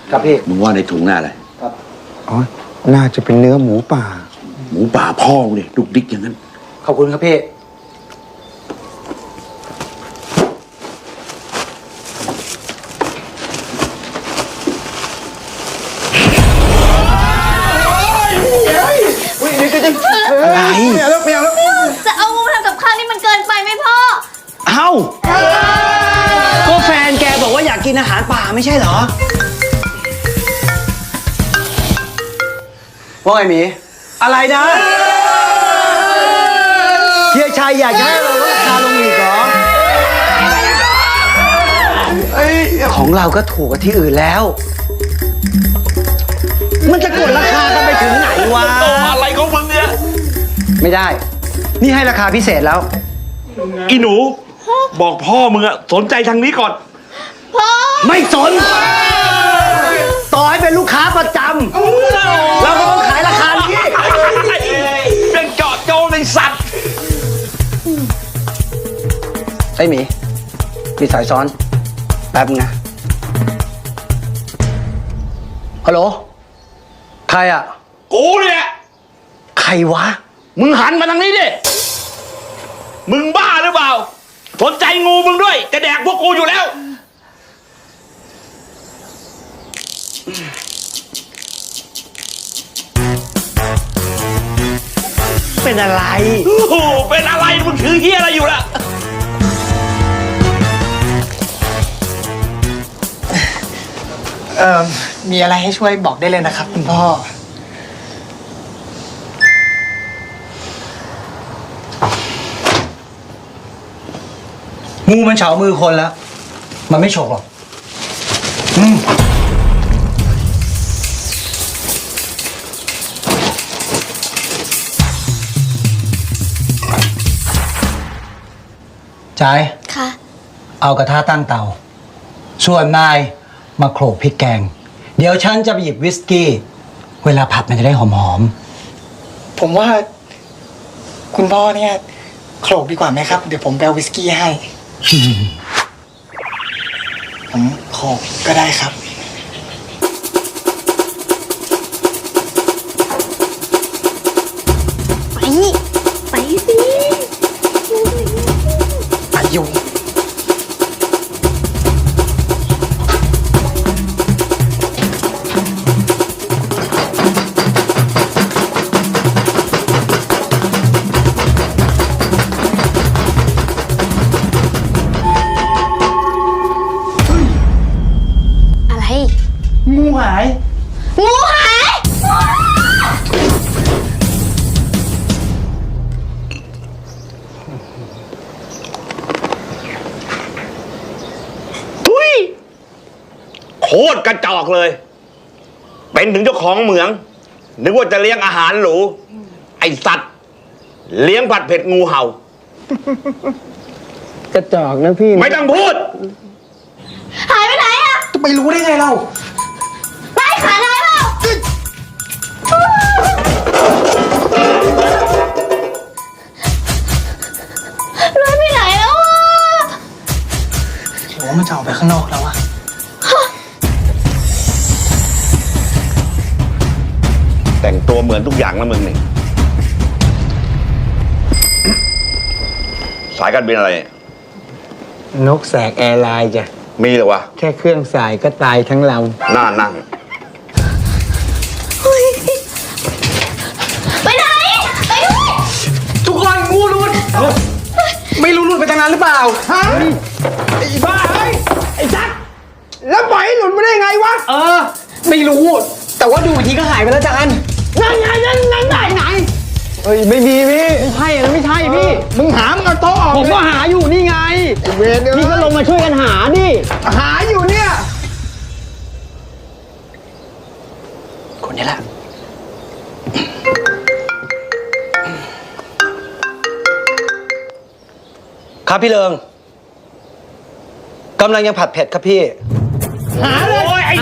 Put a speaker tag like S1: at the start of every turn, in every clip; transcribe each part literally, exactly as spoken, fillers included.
S1: ครับพี่
S2: มึงว่าในถุงหน้าอะไร
S1: ครับอ๋อน่าจะเป็นเนื้อหมูป่า
S2: หมูป่าพ่อเนี่ยดุกดิกอย่างนั้น
S1: ขอบคุณครับพี่อะไรไม่เอาแล้วไม่เอาแล้ว
S3: จะเอางูมาทำกับข้าวนี่มันเกินไปไหมพ่อ
S4: เอ้าก็แฟนแกบอกว่าอยากกินอาหารป่าไม่ใช่เหรอว่าไงหมีอะไรนะเฮียชัยอยากให้เราลดราคาลงอีกเหรอของเราก็ถูกกว่าที่อื่นแล้วมันจะกดราคากันไปถึงไหนวะ
S2: อะไรของมึงเนี่ย
S4: ไม่ได้นี่ให้ราคาพิเศษแล้ว
S2: อีหนูบอกพ่อมึงอะสนใจทางนี้ก่อน
S3: พ่อ
S4: ไม่สนต่อให้เป็นลูกค้าประจำเราก็ต้องขายราคานี้
S2: เป็นเจาะโจในสัตว์
S4: ไอ้หมีมีสายซ้อนแป๊บนะฮัลโหลใครอ่ะ
S2: กูเนี่ย
S4: ใครวะ
S2: มึงหันมาทางนี้ดิมึงบ้าหรือเปล่าสนใจงูมึงด้วยจะแดกพวกกูอยู่แล้ว
S4: เป็นอะไร
S2: โอ้โหเป็นอะไรมึงถือเหี้ยอะไรอยู่ล่ะ
S1: เอ่อมีอะไรให้ช่วยบอกได้เลยนะครับคุณพ่อ
S4: งูมันเฉามือคนแล้วมันไม่ฉกหรอกอืมใจ
S3: ค่ะ
S4: เอากระทะตั้งเตาส่วนนายมาโขลกพริกแกงเดี๋ยวฉันจะไปหยิบวิสกี้เวลาผัดมันจะได้หอม
S1: ๆผมว่าคุณพ่อเนี่ยโขลกดีกว่าไหมครับเดี๋ยวผมไปเอาวิสกี้ให้ผมโขลกก็ได้ครับ
S3: ไปไปสิ
S1: ไปอยู่งูหาย
S3: งูหาย
S2: ทุยโคตรกระจอกเลยเป็นถึงเจ้าของเหมืองนึกว่าจะเลี้ยงอาหารหรูไอสัตว์เลี้ยงผัดเผ็ดงูเห่าก
S4: ระจอกนะพี่
S2: ไม่ต้องพูด
S3: หายไปไหนอะ
S1: จะไปรู้ได้ไงเรา
S3: ไปขาไหนเปล่าเลื่อนไปไหนแล้วอะ
S1: หรือว่ามันจะออกไปข้างนอกแล้วอะ
S2: แต่งตัวเหมือนทุกอย่างนะมึงนี่สายการบินอะไร
S4: นกแสกแอร์ไลน์จ้ะ
S2: มีเหรอวะ
S4: แค่เครื่องสายก็ตายทั้งลำ
S2: น่านั่ง
S3: ไปไหนไปด้วย
S1: ทุกคนงูรุดไม่รู้หลุดไปทางนั้นหรือเปล่าฮะไอ้บ้าไอ้ไอ้จักแล้วปล่อยให้หลุดมาได้ไงวะเออไม่รู้แต่ว่าดูทีก็หายไปแล้วจานนั่นไงนั่นนั่นไหนไหนเฮ้ยไม่มีพี่ไม่ใช่นะไม่ใช่พี่มึงหามึงเอาโต๊ะออกผมก็หาอยู่นี่ไงพี่ก็ลงมาช่วยกันหาดิหาอยู่เนี่ยคนนี้แหละครับพี่เลิงกำลังยังผัดเผ็ดครับพี่
S2: หาเลยโอ้ยไอ้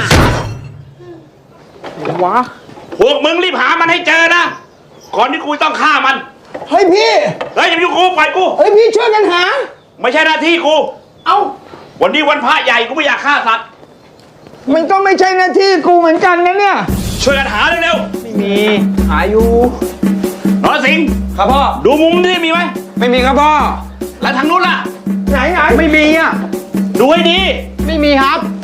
S1: วะ
S2: พวกมึงรีบหามันให้เจอนะก่อนที่กูต้องฆ่ามัน
S1: เฮ้ยพี่
S2: เฮ้ยอย่าอยู่กูปล่อยกู
S1: เฮ้ยพี่ช่วยกันหา
S2: ไม่ใช่หน้าที่กู
S1: เอ้า
S2: วันนี้วันพระใหญ่กูไม่อยากฆ่าสัตว์
S1: มันก็ไม่ใช่หน้าที่กูเหมือนกันนะเนี่ย
S2: ช่วยกันหาเร็ว
S1: ไม่มี หาอยู่
S2: ๆนรสิงห์
S1: ครับพ่อ
S2: ดูมุมนี่มีไหม
S1: ไม่มีครับพ่อ
S2: แล้วทางนู้นล่ะ
S1: ไหนไหนไม่มีอ่ะ
S2: ดูให้ดี
S1: ไม่มีครับ